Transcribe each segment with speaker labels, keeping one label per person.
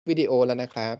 Speaker 1: วิดีโอแล้วนะครับ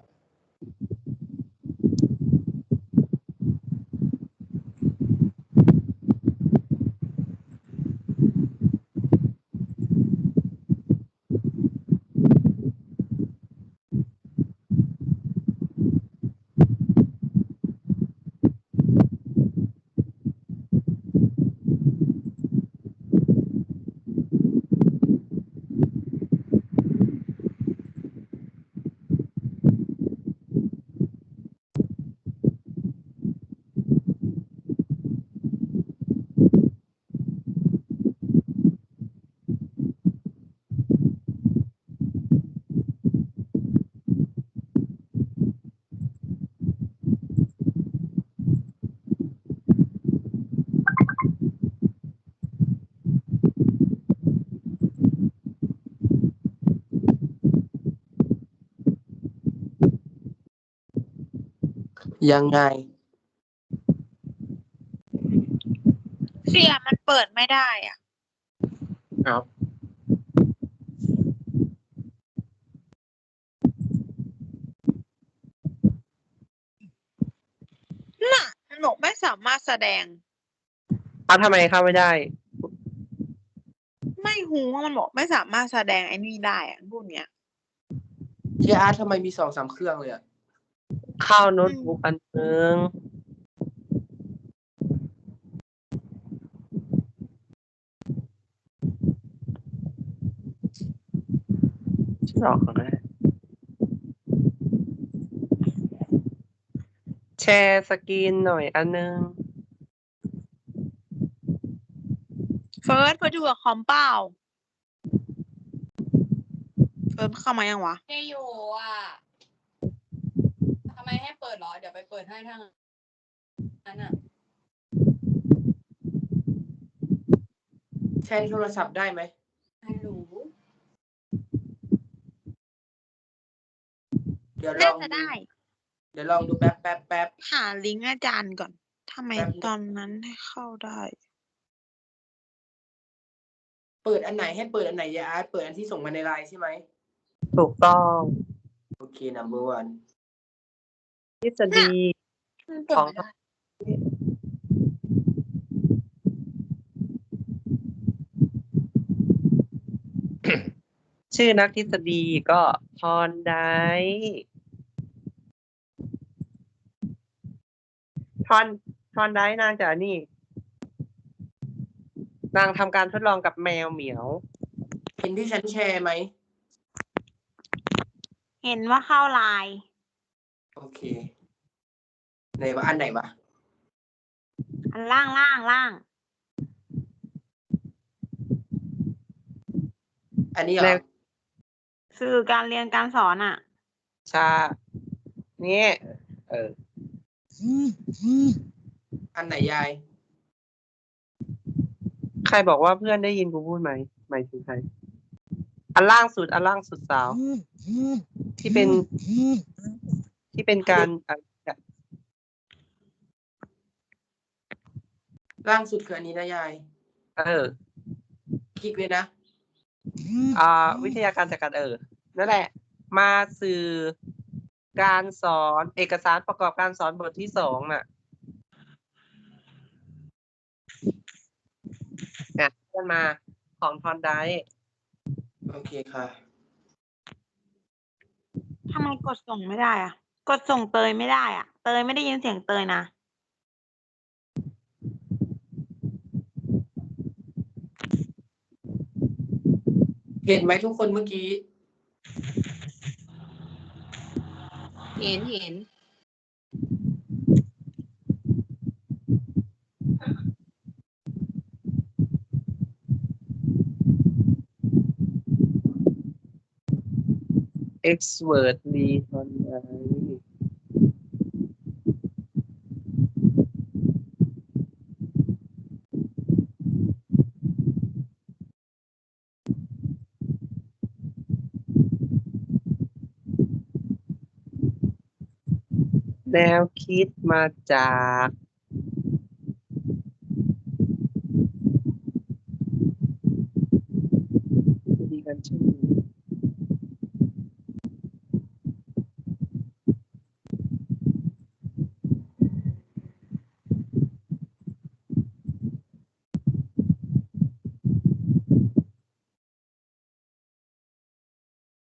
Speaker 1: ยังไง
Speaker 2: เสียมันเปิดไม่ได้อ่ะ
Speaker 1: เอา
Speaker 2: น่ะมันบอกไม่สามารถแสดง
Speaker 1: ทำไมเข้าไม่ได้
Speaker 2: ไม่หูว่ามันบอกไม่สามารถแสดงไอ้นี่ได้อ่ะพวกเนี้ย
Speaker 1: เฮียอาร์ตทำไมมี2-3 เครื่องเลยอะเข้าโน้ตบุ๊กอันนึงหรอกแชร์สกรีนหน่อยอันนึง
Speaker 2: เฟิร์สอยู่กับคอมเปล่าเฟิร์สเข้ามายังวะ
Speaker 3: ไม่อยู่อ่ะทำไมให้เปิดเหรอ เดี๋ยวไปเปิดให้ทางนั้นอ่ะ
Speaker 1: แชร์โทรศัพท์ได้ไหม
Speaker 3: ไม่รู้
Speaker 1: เดี๋ยวล
Speaker 2: น่า
Speaker 1: อง
Speaker 2: จะ
Speaker 1: ดู
Speaker 2: ได้
Speaker 1: เดี๋ยวลองดูแป๊บ
Speaker 2: หาลิงก์อาจารย์ก่อนทำไม
Speaker 1: แป๊บนึง
Speaker 2: ตอนนั้นให้เข้าได้
Speaker 1: เปิดอันไหนให้เปิดอันไหนยาอาร์ตเปิดอันที่ส่งมาในไลน์ใช่ไหม
Speaker 4: ถูกต้อง
Speaker 1: โอเค number one
Speaker 4: ทฤษฎี
Speaker 3: มันเปิดไม่ได้
Speaker 4: ชื่อนักทฤษฎีก็ทอนไดทอนไดนางจากนี่ นางทำการทดลองกับแมวเหมียว
Speaker 1: เห็นที่ฉันแชร์ไหม
Speaker 2: เห็นว่าเข้าไลน์
Speaker 1: โอเคไหนวะอันไหนวะ
Speaker 2: อันล่าง
Speaker 1: อันนี้เหร
Speaker 4: แล้
Speaker 1: อ
Speaker 4: ว
Speaker 2: สื่อการเรียนการสอนอ่ะ
Speaker 4: ชานี่เออ
Speaker 1: อันไหนยาย
Speaker 4: ใครบอกว่าเพื่อนได้ยินกูพูดไหมหมายถึงใคร อันล่างสุดสาว ที่เป็นการ
Speaker 1: ล่างสุดคืออันนี้นะยาย
Speaker 4: เออ
Speaker 1: คลิกเลยนะ
Speaker 4: วิทยาการจัดการนั่นแหละ มาสื่อการสอนเอกสารประกอบการสอนบทที่2น่ะเนี่ยเพื่อนมาของทอนได
Speaker 1: โอเคค่ะ
Speaker 2: ทำไมกดส่งไม่ได้อ่ะ กดส่งเตยไม่ได้อ่ะ เตยไม่ได้ยินเสียงเตยนะ
Speaker 1: เห็นไหมทุกคนเมื่อกี้
Speaker 3: เห็น
Speaker 4: expertly ทอนไดแนวคิดมาจากดีกันชื่อ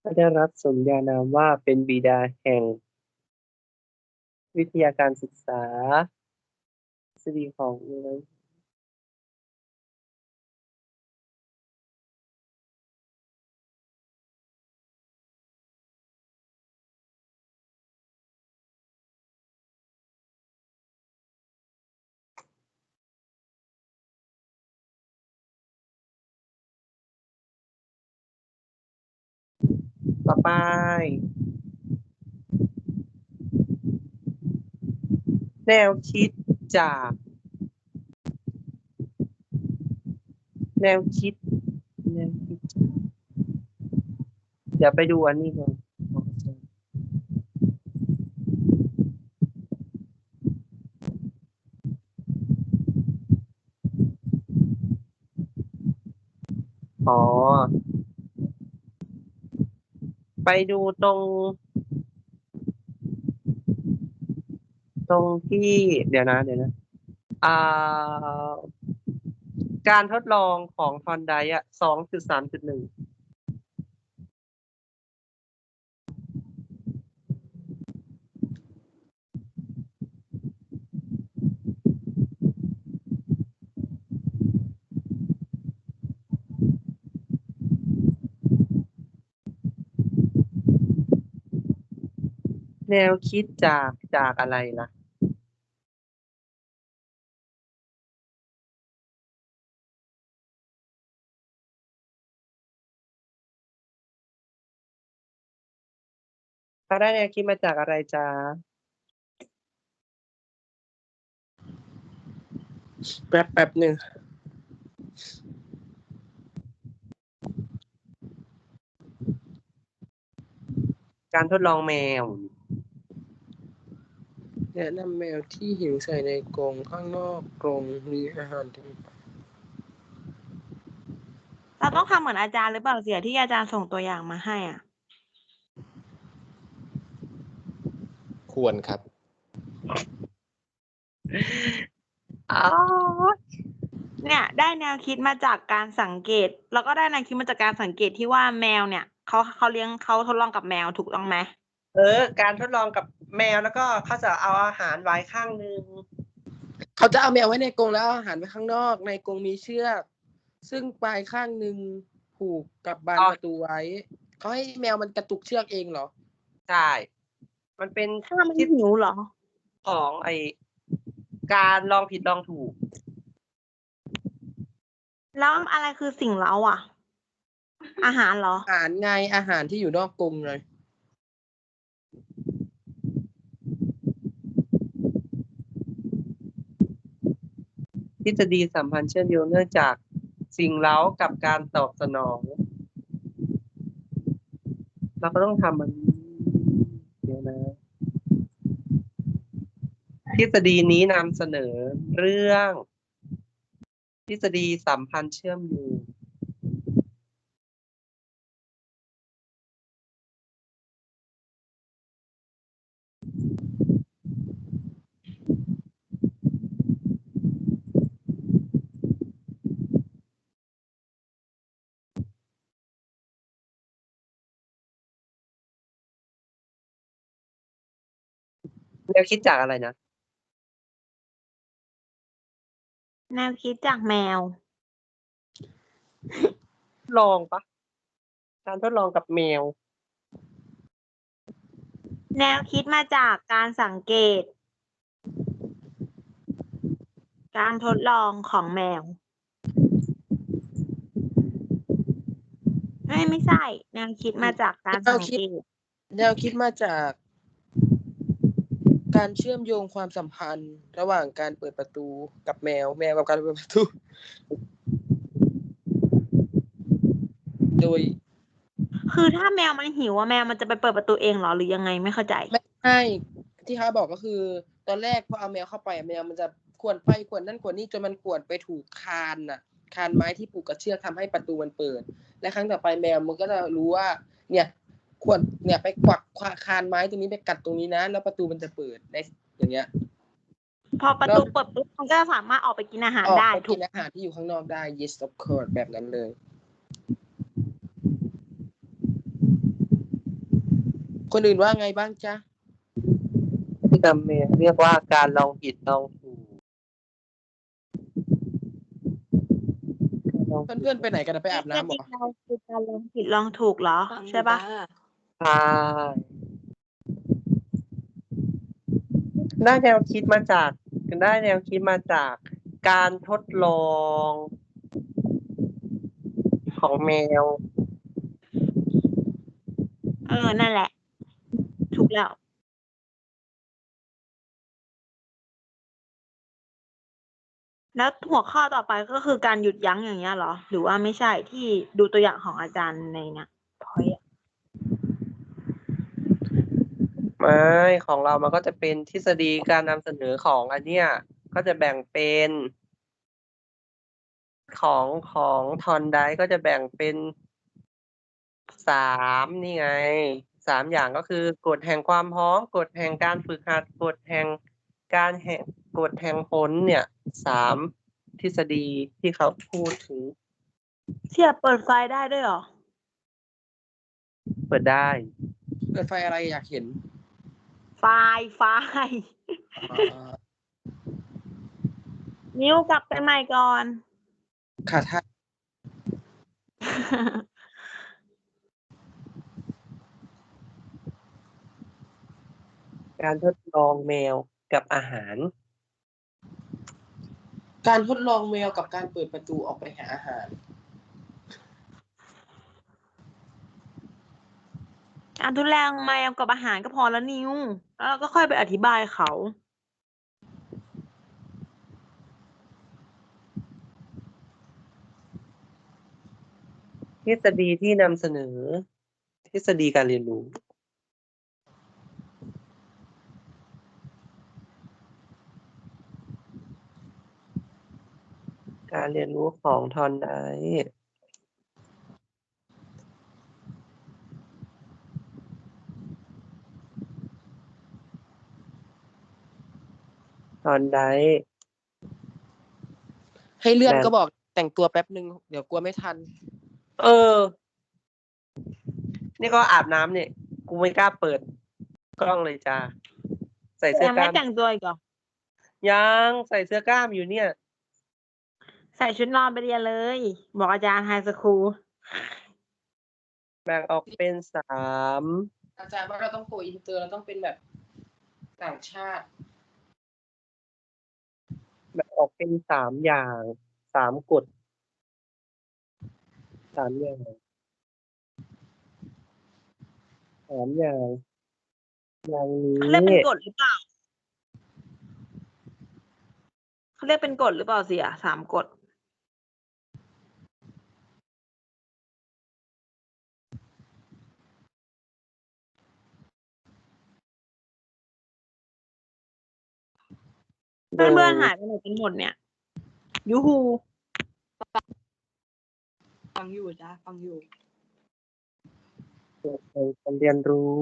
Speaker 4: ได้รับสมญานามว่าเป็นบิดาแห่งวิทยาการศึกษาทฤษฎีของต่อไป แนวคิดจากแนวคิดเดี๋ยวไปดูอันนี้ก่อนอ๋อ ไปดูตรงที่เดี๋ยวนะอ่า การทดลองของทอนไดอ่ะ2.3.1แนวคิดจากอะไรล่ะเขาได้แนวคิดมาจากอะไรจ๊ะ
Speaker 1: แป๊บหนึ่ง
Speaker 4: การทดลองแมว
Speaker 1: แนะนำแมวที่หิวใส่ในกรงข้างนอกกรงมีอาหารที่
Speaker 2: เราต้องทำเหมือนอาจารย์หรือเปล่าเสียที่อาจารย์ส่งตัวอย่างมาให้อ่ะ
Speaker 1: ควรครับ
Speaker 4: อ๋อ
Speaker 2: เนี่ยได้แนวคิดมาจากการสังเกต แล้วก็ได้แนวคิดมาจากการสังเกตที่ว่าแมวเนี่ยเขาเลี้ยงเขาทดลองกับแมวถูกต้องไหม
Speaker 4: การทดลองกับแมวแล้วก็เขาจะเอาอาหารไว้ข้างนึง
Speaker 1: เขาจะเอาแมวไว้ในกรงแล้วเอาอาหารไว้ข้างนอกในกรงมีเชือกซึ่งปลายข้างหนึ่งผูกกับบานประตูไว้เขาให้แมวมันกระตุกเชือกเองเหรอ
Speaker 4: ใช่ มันเป็น
Speaker 2: ถ้ามันหิวเหรอ
Speaker 4: ของการลองผิดลองถูก
Speaker 2: แล้วอะไรคือสิ่งเร้าอ่ะ อาหารเหรอ
Speaker 1: อาหารไงอาหารที่อยู่นอกกรงเลย
Speaker 4: ทฤษฎีสัมพันธ์เชื่อมโยงเนื่องจากสิ่งเร้ากับการตอบสนอง เราก็ต้องทำมันเดี๋ยวนะ ทฤษฎีนี้นำเสนอเรื่องทฤษฎีสัมพันธ์เชื่อมโยงแนวคิดจากอะไรนะ
Speaker 2: แนวคิดจากแมว
Speaker 4: ลองปะการทดลองกับแมว
Speaker 2: แนวคิดมาจากการสังเกต การทดลองของแมว ไม่ใช่ แนวคิดมาจากการสังเกต
Speaker 1: แนวคิดมาจากการเชื่อมโยงความสัมพันธ์ระหว่างการเปิดประตูกับแมวกับการเปิดประตู โดย
Speaker 2: คือถ้าแมวมันหิวอะแมวมันจะไปเปิดประตูเองเหรอหรือยังไงไม่เข้าใจ
Speaker 1: ไม่ใช่ที่เขาบอกก็คือ ตอนแรกพอเอาแมวเข้าไปแมวมันจะข่วนไปข่วนนั่นข่วนนี่จนมันข่วนไปถูกคานคานไม้ที่ผูกกับเชือกทำให้ประตูมันเปิด และครั้งต่อไปแมวมันก็จะรู้ว่า เนี่ยข่วนเนี่ยไปกวักคานไม้ตรงนี้ไปกัดตรงนี้นะแล้วประตูมันจะเปิดได้อย่างเงี้ย
Speaker 2: พอประตูเปิดปุ๊บมันก็สามารถออกไปกินอาหาร
Speaker 1: ออก
Speaker 2: ได้
Speaker 1: ไป
Speaker 2: ถู
Speaker 1: กิ
Speaker 2: ก
Speaker 1: นอาหารที่อยู่ข้างนอกได้ yes of course แบบนั้นเลยคนอื่นว่าไงบ้างจ๊ะ
Speaker 4: ที่นำเมเรียกว่าการลองผิดลองถูกการลองผิด
Speaker 1: เพื่อนๆไปไหนกันนะไปอาบน้ำเหรอ
Speaker 2: เราคือการลองผิดลองถูกเหรอ
Speaker 3: ฟังอยู่
Speaker 2: ใช่ปะ
Speaker 3: จ้า
Speaker 4: ใช่ได้แนวคิดมาจากการทดลองของแมว
Speaker 2: นั่นแหละ ถูกแล้ว แล้วหัวข้อต่อไปก็คือการหยุดยั้งอย่างเงี้ยเหรอ หรือว่าไม่ใช่ที่ดูตัวอย่างของอาจารย์ในเนี่ยพอยต์
Speaker 4: ไม่ของเรามันก็จะเป็นทฤษฎีการนำเสนอของอันเนี้ยก็จะแบ่งเป็นของทอนไดก็จะแบ่งเป็น3นี่ไง3อย่างก็คือกฎแห่งความพร้อมกฎแห่งการฝึกหัดกฎแห่งผลเนี่ย3ทฤษฎีที่เขาพูดถึง
Speaker 2: เสียบเปิดไฟได้ด้วยเหรอ
Speaker 4: เปิดได้
Speaker 1: เปิดไฟอะไรอยากเห็น
Speaker 2: ไฟ นิ้วกลับไปใหม่ก่อน
Speaker 1: ค่ะท่าน
Speaker 4: การทดลองแมวกับอาหาร
Speaker 1: การทดลองแมวกับการเปิดประตูออกไปหาอาหาร
Speaker 2: การทดลองแมวกับอาหารก็พอแล้วนิ้ว แล้วเราก็ค่อยไปอธิบายเขา
Speaker 4: ทฤษฎีที่นำเสนอ ทฤษฎีการเรียนรู้ การเรียนรู้ของทอนได
Speaker 1: ให้เลื่อน
Speaker 4: แบบ
Speaker 1: ก็บอกแต่งตัวแป๊บนึง เดี๋ยวกลัวไม่ทัน
Speaker 4: เออ นี่ก็อาบน้ำเนี่ย กูไม่กล้าเปิดกล้องเลยจ้า ใส่เสื้อ
Speaker 2: ยัง
Speaker 4: ก
Speaker 2: ไม่
Speaker 4: ล้าม
Speaker 2: แต่งตัวอีกเหรอ
Speaker 4: ยังใส่เสื้อกล้ามอยู่เนี่ย
Speaker 2: ใส่ชุดนอนไปเรียนเลย บอกอาจารย์ไฮสคูล
Speaker 4: แบ่งออกเป็น3
Speaker 1: อาจารย์ว่าเราต้องโกอินเตอร์เราต้องเป็นแบบต่างชาติ
Speaker 4: แบ่งออกเป็น3อย่าง3กฎ3อย่าง3อย่างอย่างนี้
Speaker 2: เขาเรียกเป็นกฎหรือเปล่า เขาเรียกเป็นกฎหรือเปล่าเสีย3 กฎ เพื่อนๆหายไปไหนกันหมดเนี่ย ยูฮู
Speaker 3: ฟังอยู่จ้าฟังอยู่
Speaker 4: การเรียนรู้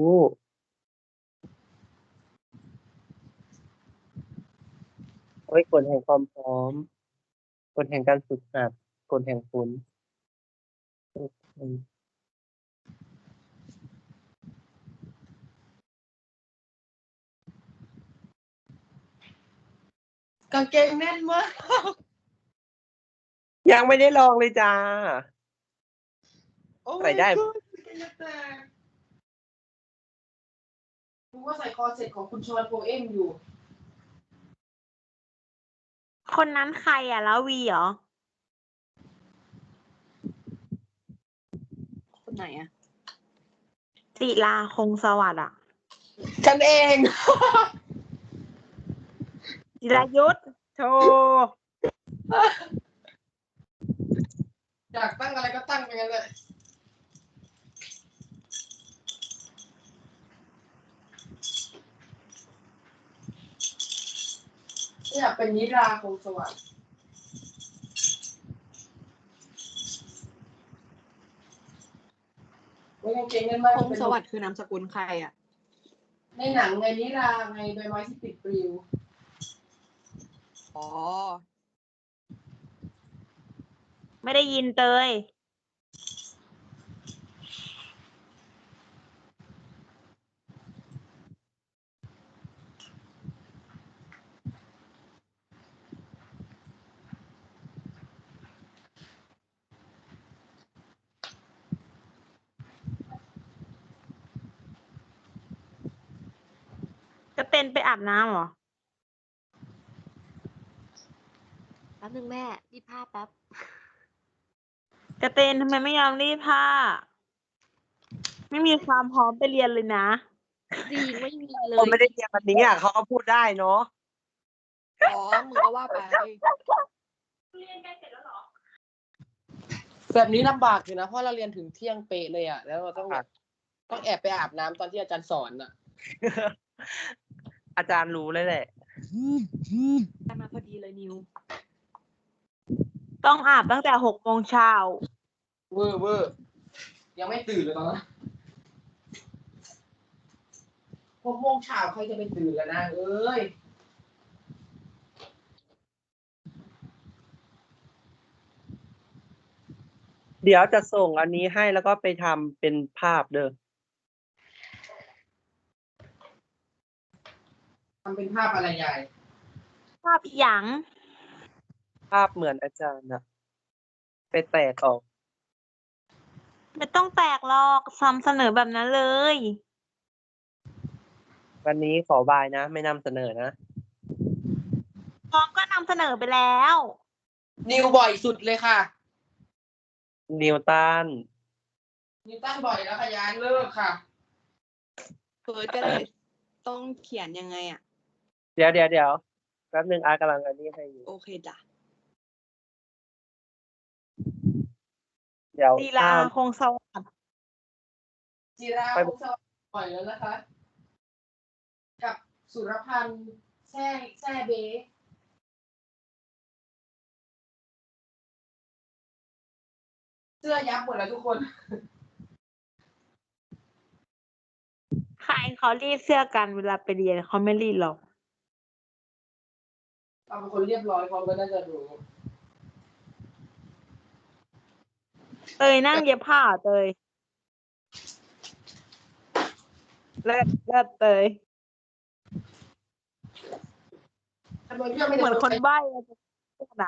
Speaker 4: กฎแห่งความพร้อมกฎแห่งการฝึกหัดกฎแห่งผล
Speaker 1: กางเกงแน่นมาก
Speaker 4: ยังไม่ได้ลองเลยจ้า
Speaker 1: โอ้
Speaker 4: ใส่ได้
Speaker 1: my god กางเกงจะแตกรู้ว่าใส่คอเสร็จของคุณชอนโพเอมอยู่
Speaker 2: คนนั้นใครอ่ะ แล้ววีเหรอ
Speaker 3: คนไหนอะ
Speaker 2: ศิลาคงสวัสดิ์อ่ะ
Speaker 1: ฉันเอง
Speaker 2: จิรายุทธโธ
Speaker 1: อยากตั้งอะไรก็ตั้งไปกันเลย อยากเป็นนิราคงสวัสดิ์ไม่กางเกงแน่นมาก
Speaker 3: พงศ์สวัสดิ์คือนามสกุลใครอะ
Speaker 1: ในหนังไงนิราไงใบไม้ที่ติดปลิว
Speaker 3: อ๋อ
Speaker 2: ไม่ได้ยินเตยเป็นไปอาบน้ำเหรอ
Speaker 5: แป๊บนึงแม่รีดผ้าแป๊บ
Speaker 2: กระเตนทำไมไม่ยอมรีดผ้า ไม่มีความพร้อมไปเรียนเลยนะ
Speaker 5: จริงไม่มีเล
Speaker 4: คน
Speaker 5: ย
Speaker 4: ไม่ได้เรียนวันนี้อ่ะเขาก็พูดได้เนาะ
Speaker 5: อ๋อมึงก็ว่าไป
Speaker 1: แบบนี้ลำบากอยู่นะเพราะเราเรียนถึงเที่ยงเป๊ะเลยอ่ะแล้วเราต้องแบบต้องแอบไปอาบน้ำตอนที่อาจารย์สอนอ่ะ
Speaker 4: อาจารย์รู้เลยแหละ
Speaker 5: มาพอดีเลยนิว
Speaker 2: ต้องอาบตั้งแต่6 โมงเช้า
Speaker 1: เวอร์ยังไม่ตื่นเลยตอนนั้น6 โมงเช้าใครจะไปตื่นแล้วนะเอ้ย
Speaker 4: เดี๋ยวจะส่งอันนี้ให้แล้วก็ไปทำเป็นภาพเด้อ
Speaker 1: ทำเป็นภาพอะไรใหญ่
Speaker 2: ภาพอีหยัง
Speaker 4: ภาพเหมือนอาจารย์อะไปแตกออก
Speaker 2: ไม่ต้องแตกหรอกซ้ำเสนอแบบนั้นเลย
Speaker 4: วันนี้ขอบายนะ ไม่นำเสนอนะ
Speaker 2: พร้อมก็นำเสนอไปแล้ว
Speaker 1: นิวบ่อยสุดเลยค่ะ
Speaker 4: นิวตัน
Speaker 1: นิวตันบ่อยแล้วค่ะยานเลิกค่ะ
Speaker 5: เฟิร์สก็เลยต้องเขียนยังไงอ่ะ
Speaker 4: เดี๋ยวแป๊บนึงอาร์ตกำลังอันนี้ให้อยู่
Speaker 5: โอเคจ้ะ
Speaker 4: เดี๋ยว
Speaker 2: ลีลาคงสวัสดิ์
Speaker 1: จิราคงสวัสดิ์บ่อยแล้วนะคะ กับสุรพันธ์แช่เบเสื้อยับหมดแล้วทุกคน
Speaker 2: ใครเขารีดเสื้อกันเวลาไปเรียนเขาไม่รีดหรอก
Speaker 1: เราเป็นคนเรียบร้อยพร้อมก็น่าจะรู้
Speaker 2: เตยนั่งเย็บผ้าเหรอเตยเลิศเตย
Speaker 1: ทำไมเพื่อนไม่
Speaker 2: เหมือนคน
Speaker 1: ได้
Speaker 2: ใบ้อะจะพูดอะ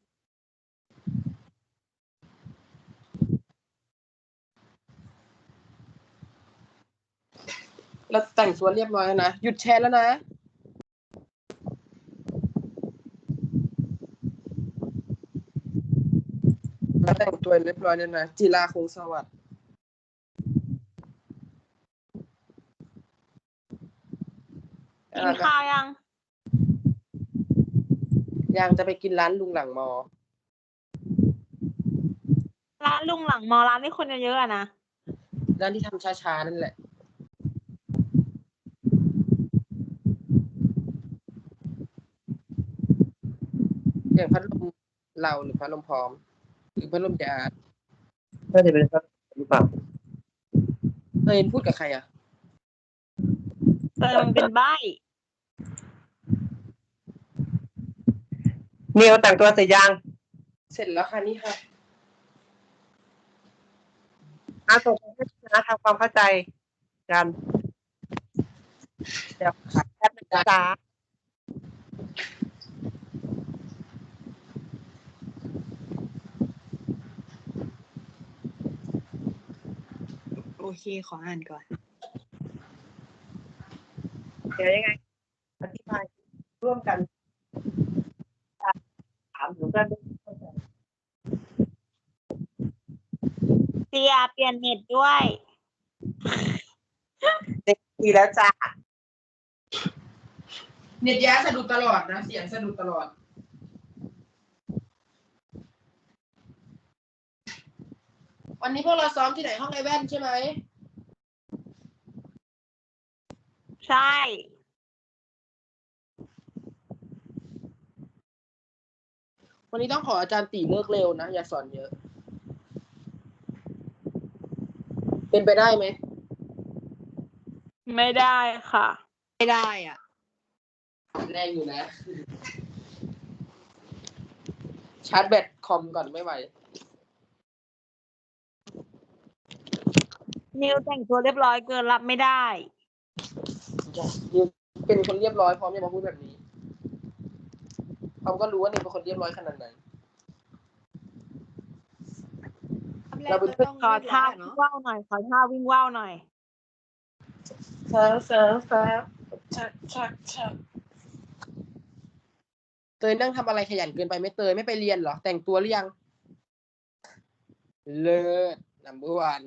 Speaker 1: เราแต่งตัวเรียบร้อยแล้วนะ หยุดแชร์แล้วนะ เราแต่งตัวเรียบร้อยแล้วนะ จิราคงสวัสดิ์
Speaker 2: กินข้าวยัง
Speaker 1: ยังจะไปกินร้านลุงหลังมอ
Speaker 2: ร้านลุงหลังมอร้านที่คนเยอะๆอะนะ
Speaker 1: ร้านที่ทำช้าๆนั่นแหละ อย่างพัดลมเราหรือพัดลมพร้อม หรือพัดลมยา
Speaker 4: น่าจะเป็นภาพหรือเปล่า
Speaker 1: เฮ้ยพูดกับใครอ่ะ
Speaker 2: เตยมันเป็นใบ้
Speaker 4: นิวแต่งตัวเสร็จยัง
Speaker 1: เสร็จแล้วค่ะนี่ค่ะ
Speaker 4: ส่งให้นะทำความเข้าใจกัน เดี๋ยวแป๊บนึงจ้า
Speaker 5: โอเคขออ่านก่อน
Speaker 4: เดี๋ยวยังไงอธิบายร่วมกันถามถึงเพื่อนเข้าใจ
Speaker 2: เตียเปลี่ยนเน็ตด้วย
Speaker 4: ดีแล้วจ้า
Speaker 1: เน็ตยาสะดุดตลอดนะ เสียงสะดุดตลอด วันนี้พวกเราซ้อมที่ไหนห้องไอแว่นใช่ไหม
Speaker 2: ใช่
Speaker 1: วันนี้ต้องขออาจารย์ตีเลิกเร็วนะ อย่าสอนเยอะ เป็นไปได้ไหม
Speaker 2: ไม่ได้ค่ะ
Speaker 5: ไม่ได้อ่ะ
Speaker 1: แรงอยู่นะ ชาร์จแบตคอมก่อนไม่ไหว
Speaker 2: นิวแต่งตัวเรียบร้อยเกินรับไม่ได้
Speaker 1: นิวเป็นคนเรียบร้อยพร้อมจะมาพูดแบบนี้เขาก็รู้ว่านิวเป็นคนเรียบร้อยขนาดไหน เราเป็น
Speaker 2: ขอท่าวิ่งว่าวหน่อย ขอท่าวิ่งว่าวหน่อย
Speaker 1: ฟ้าฟ้าฟ้าชักเตยนั่งทำอะไรขยันเกินไปไหม่เตยไม่ไปเรียนเหรอแต่งตัวหรือยังเลิศnumber one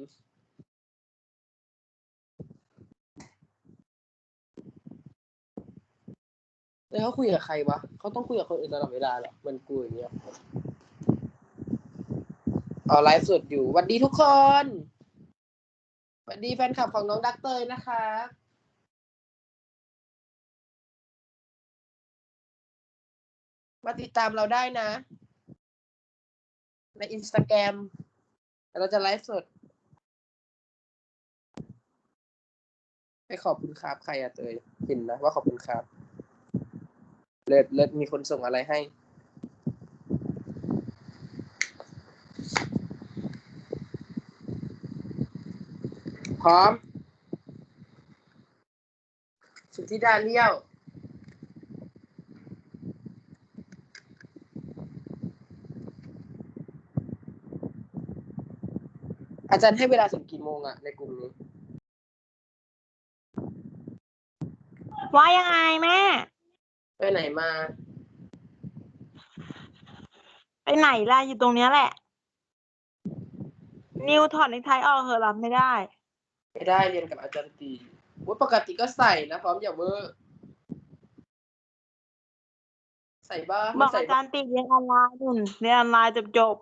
Speaker 1: แล้วเขาคุยกับใครวะเขาต้องคุยกับคนอื่นตลอดเวลาเหรอเหมันกูอย่างเงี้ยไลฟ์สดอยู่สวัสดีทุกคนสวัสดีแฟนคลับของน้องดักเตยนะคะมาติดตามเราได้นะใน Instagram เราจะไลฟ์สดไปขอบคุณครับใครอะเตยเห็นนะว่าขอบคุณครับเลิศมีคนส่งอะไรให้พร้อมสุทธิดาเลี้ยวอาจารย์ให้เวลาส่งกี่โมงอะในกลุ่มนี้
Speaker 2: ว่ายังไงแม่
Speaker 1: ไปไหนมา
Speaker 2: ไปไหนล่ะอยู่ตรงเนี้ยแหละ นิวถอดเนคไทออกเหอะรับไม่ได้
Speaker 1: ไม่ได้เรียนกับอาจารย์ตีว่าปกติก็ใส่นะพร้อมอย่าเวอร์ใส่บ้าง
Speaker 2: บอก
Speaker 1: ใส่
Speaker 2: อาจารย์ติเรียนออนไลน์นุ่นเรียนออนไลน์จบ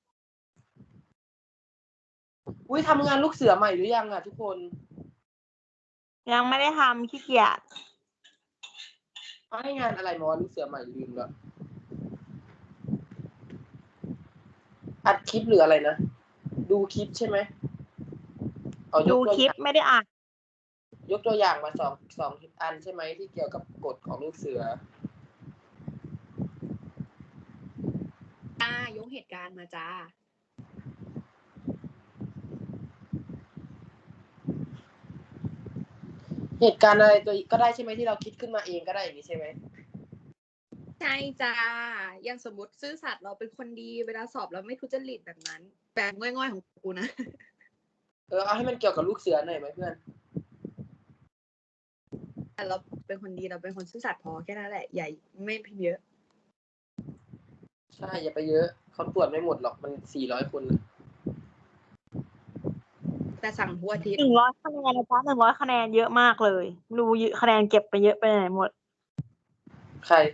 Speaker 1: อุ้ยทำงานลูกเสือใหม่หรือยังอะทุกคน
Speaker 2: ยังไม่ได้ทำขี้เกียจ
Speaker 1: เขาให้งานอะไรมาว่าลูกเสือใหม่ลืมแล้วอัดคลิปหรืออะไรนะดูคลิปใช่ไหม
Speaker 2: ดูคลิปไม่ได้อ่าน
Speaker 1: ยกตัวอย่างมาสองอันใช่ไหมที่เกี่ยวกับกฎของลูกเสือ
Speaker 5: ยกเหตุการณ์มาจ้า
Speaker 1: เหตุการณ์อะไรตัวก็ได้ใช่ไหมที่เราคิดขึ้นมาเองก็ได้อย่างนี้ใช่ไหม
Speaker 5: ใช่จ้าอย่างสมมติซื่อสัตย์เราเป็นคนดีเวลาสอบเราไม่ทุจริตแบบนั้นแปลงง่อยๆของกูนะ
Speaker 1: เอาให้มันเกี่ยวกับลูกเสือหน่อยไหมเพื่อน
Speaker 5: แต่เราเป็นคนดีเราเป็นคนซื่อสัตย์พอแค่นั้นแหละใหญ่ไม่พิมพ์เยอะ
Speaker 1: ใช่อย่าไปเยอะเขาตรวจไม่หมดหรอกมัน400 คนนะ
Speaker 5: แต่สั่งทุกอาทิตย์
Speaker 2: 100 คะแนนนะจ๊ะ100 คะแนนเยอะมากเลยรู้คะแนนเก็บไปเยอะไปไหนหมด
Speaker 1: ใคร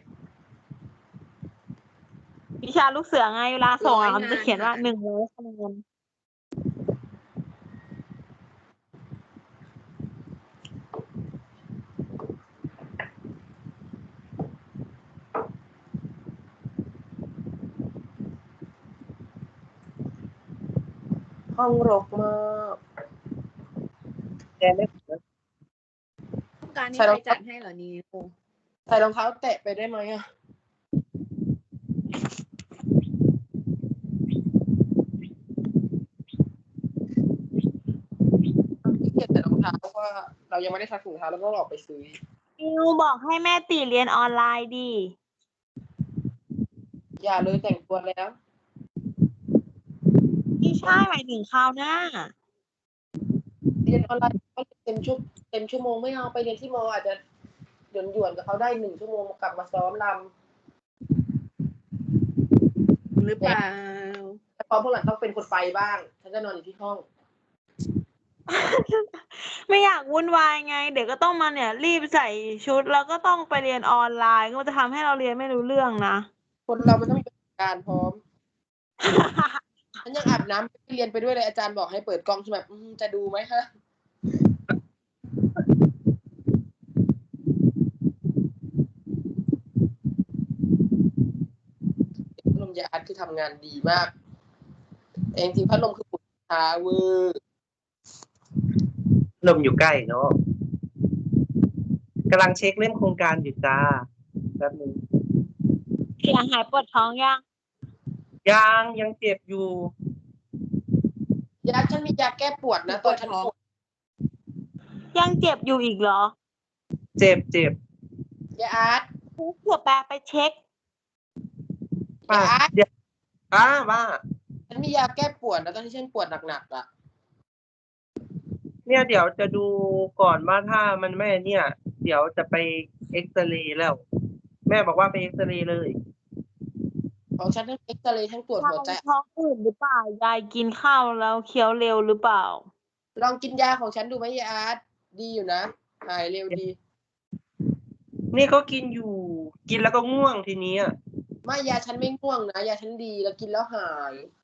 Speaker 2: วิชาลูกเสือไงเวลาส่งอ่ะมันจะเขียนว่า100 คะแนน
Speaker 1: ห้องรกมาก
Speaker 4: แกไม่
Speaker 5: ต้องการให้
Speaker 1: ใช่
Speaker 5: ใค
Speaker 1: แล้
Speaker 5: ร
Speaker 1: ว
Speaker 5: จัดให้เหรอนิว
Speaker 1: ใส่รองเท้าแตะไปได้ไหมอะขี้เกียจใส่รองเท้าเพราะว่าเรายังไม่ได้ซักถุงเท้าแล้วก็ออกไปซื้อ
Speaker 2: นิวบอกให้แม่ติเรียนออนไลน์ดิ
Speaker 1: อย่าเลยแต่งตัวแล้ว
Speaker 2: ไม่ใช่หมายถึงคราวหน้า
Speaker 1: เรียนออนไลน์ก็เต็มชั่วโมงไม่เอาไปเรียนที่มออาจจะหยวนกับเขาได้1 ชั่วโมงกลับมาซ้อมรำ
Speaker 5: หรือเปล่า
Speaker 1: แต่พอพวกหลังต้องเป็นคนไปบ้างฉันจะนอนอยู่ที่ห้อง
Speaker 2: ไม่อยากวุ่นวายไง เดี๋ยวก็ต้องมาเนี่ย รีบใส่ชุดแล้วก็ต้องไปเรียนออนไลน์ก็จะทำให้เราเรียนไม่รู้เรื่องนะ
Speaker 1: คนเรามันต้องมีประสบการณ์พร้อม ฉันยังอาบน้ำไปเรียนไปด้วยเลยอาจารย์บอกให้เปิดกล้องใช่ไหมจะดูไหมคะพัดลมยาอัดคือทำงานดีมากแต่จริงๆพัดลมคือปุ่นช้าเวอร์
Speaker 4: ลมอยู่ใกล้เนาะกำลังเช็คเรื่องโครงการอยู่จ้าแป๊บนึง
Speaker 2: เสียงหายปวดท้องยัง
Speaker 4: ยังเจ็บอยู่
Speaker 1: ยาฉันมียาแก้ปวดนะตอนฉันปวด
Speaker 2: ยังเจ็บอยู่อีกเหรอ
Speaker 4: เจ็บ
Speaker 1: ยาอาร์ต
Speaker 2: เผื่อแปลไปเช็ค
Speaker 1: ยาอาร์ต
Speaker 4: เดี๋ยวว่า
Speaker 1: ฉันมียาแก้ปวดนะตอนที่ฉันปวดหนักๆอ่ะ
Speaker 4: เนี่ยเดี๋ยวจะดูก่อนว่าถ้ามันไม่เนี่ยเดี๋ยวจะไปเอ็กซเรย์แล้ว แม่บอกว่าไปเอ็กซเรย์เลย
Speaker 1: ของฉันทั้งเอ็กซเรย์ทั้งตรวจหัวใจ
Speaker 2: ท้องอืดหรือเปล่ายายกินข้าวแล้วเคี้ยวเร็วหรือเปล่า
Speaker 1: ลองกินยาของฉันดูไหมยายอาร์ตดีอยู่นะหายเร็วดี
Speaker 4: นี่ก็กินอยู่ กินแล้วก็ง่วงทีนี้อะ
Speaker 1: ไม่ยาฉันไม่ง่วงนะยาฉันดีแล้วกินแล้วหาย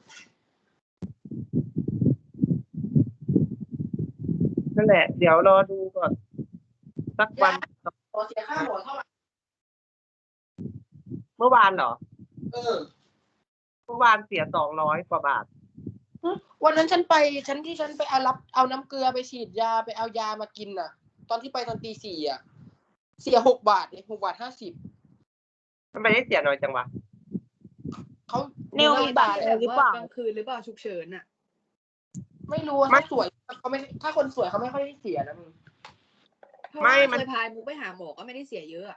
Speaker 4: นั่นแหละ เดี๋ยวรอดูก่อน สักวัน
Speaker 1: ขอเสียค่าหมอเท่าไหร่
Speaker 4: เมื่อวานเหรอ
Speaker 1: เออ
Speaker 4: เมื่อวานเสีย200 กว่าบาท
Speaker 1: วันนั้นฉันไปเอาน้ำเกลือไปฉีดยาไปเอายามากินน่ะ ตอนที่ไปตอนตี 4อ่ะ เสีย6 บาทเลย6.50
Speaker 4: ทำไมได้เสียน้อยจังวะ
Speaker 1: เขา
Speaker 2: นิว
Speaker 1: มี
Speaker 2: มีบัตร
Speaker 1: เล
Speaker 2: เลย ยหรือเปล่า
Speaker 5: กลางคืนหรือเปล่าฉุกเฉินอ่ะ
Speaker 1: ไม่รู้ว่า
Speaker 4: ไม่
Speaker 1: ถ้าสวยเขาไม่ถ้าคนสวยเขาไม่ค่อยได้เสียนะมึง
Speaker 5: เพราะ
Speaker 4: ไม่
Speaker 5: ว่า
Speaker 4: มัน
Speaker 5: เคยพามุกไปหาหมอก็ไม่ได้เสียเยอะอะ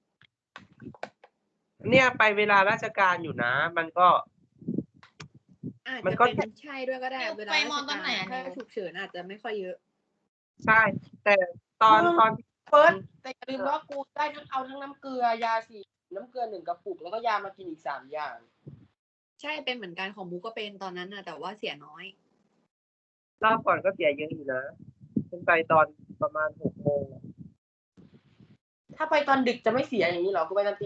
Speaker 4: เนี่ยไปเวลาราชการอยู่นะ มันก็
Speaker 5: อาจ
Speaker 4: มัน
Speaker 5: จะ
Speaker 4: ก็
Speaker 5: เป็นใช่ด้วยก็ได้
Speaker 3: นิว
Speaker 5: เวลา
Speaker 3: ไป
Speaker 5: ราช
Speaker 3: มองตอนไหน
Speaker 5: การ
Speaker 3: อะ
Speaker 5: ถ้า
Speaker 3: นิว
Speaker 5: ฉุกเฉินอาจจะไม่ค่อยเยอะ
Speaker 4: ใช่ แต่ตอน
Speaker 1: เฟิร์สแต่อย่าลืมว่ากูได้เอาทั้งน้ำเกลือยาสีน้ำเกลือ1 กระปุกแล้วก็ยามากินอีก3 อย่าง
Speaker 5: ใช่เป็นเหมือนกันของมุกก็เป็นตอนนั้นนะแต่ว่าเสียน้อย
Speaker 4: รอบก่อนก็เสียเยอะอยู่นะฉันไปตอนประมาณ6 โมง
Speaker 1: ถ้าไปตอนดึกจะไม่เสียอย่างนี้หรอกูไปตอนตี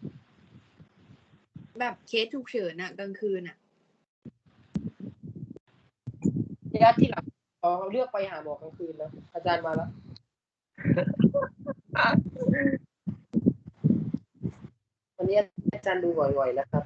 Speaker 5: แบบเคสฉุกเฉินอะกลางคืนอะ
Speaker 1: 4ระยะที่หลังขอเลือกไปหาหมอกลางคืนนะอาจารย์มาแล้ววันนี้อาจารย์ดูบ่อยๆนะครับ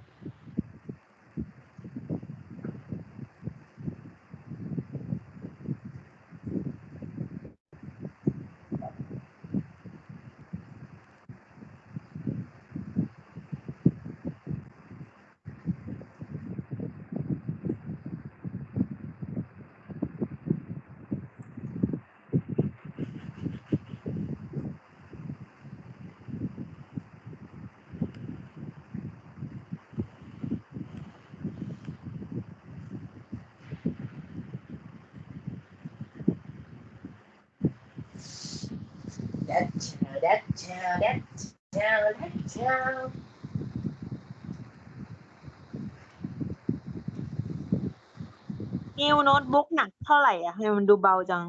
Speaker 2: นิวโน้ตบุ๊กหนักเท่าไหร่อ่ะทำไมมันดูเบาจัง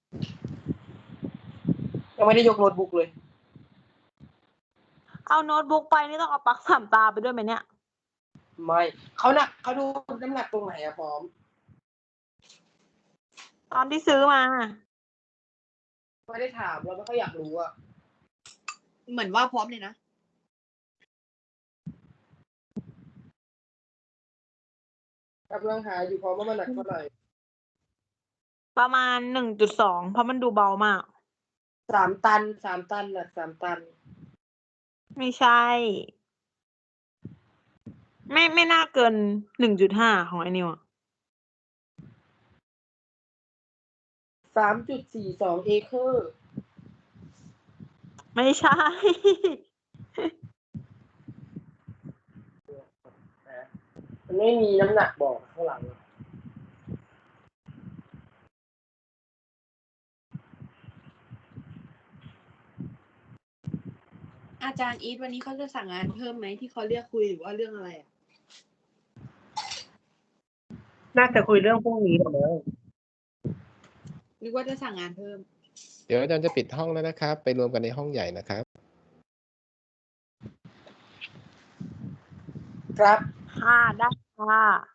Speaker 1: ยังไม่ได้ยกโน้ตบุ๊กเลย
Speaker 2: เอาโน้ตบุ๊กไปนี่ต้องเอาปลั๊กสามตาไปด้วยไหมเนี่ย
Speaker 1: ไม่เขาดูน้ำหนักตรงไหนอะพร้อม
Speaker 2: ตอนที่ซื้อมา
Speaker 1: ไม่ได้ถามเราไม่ค่อยอยากรู้อะ
Speaker 5: เหมือนว่าพร้อมเลยนะ
Speaker 1: กำลังหาอยู่พร้อมว่ามันหนักเท่าไหร่
Speaker 2: ประมาณ1.2เพราะมันดูเบามาก
Speaker 1: 3 ตันหนัก3 ตัน
Speaker 2: ไม่ใช่ ไม่น่าเกิน1.5ของไอ้นิวอะ
Speaker 1: 3.42 เอเคอร์
Speaker 2: ไม่ใช่
Speaker 1: มันไม่มีน้ำหนักบอกข้างหลัง
Speaker 5: อาจารย์อีทวันนี้เขาจะสั่งงานเพิ่มไหมที่เขาเรียกคุยหรือว่าเรื่องอะไรอะ
Speaker 4: น่าจะคุยเรื่องพรุ่งนี้หรอมั้ง
Speaker 5: นึกว่าจะสั่งงานเพิ่ม
Speaker 6: เดี๋ยวอาจารย์จะปิดห้องแล้วนะครับ ไปรวมกันในห้องใหญ่นะครับ
Speaker 1: ครับ
Speaker 2: ค่ะได้ค่ะ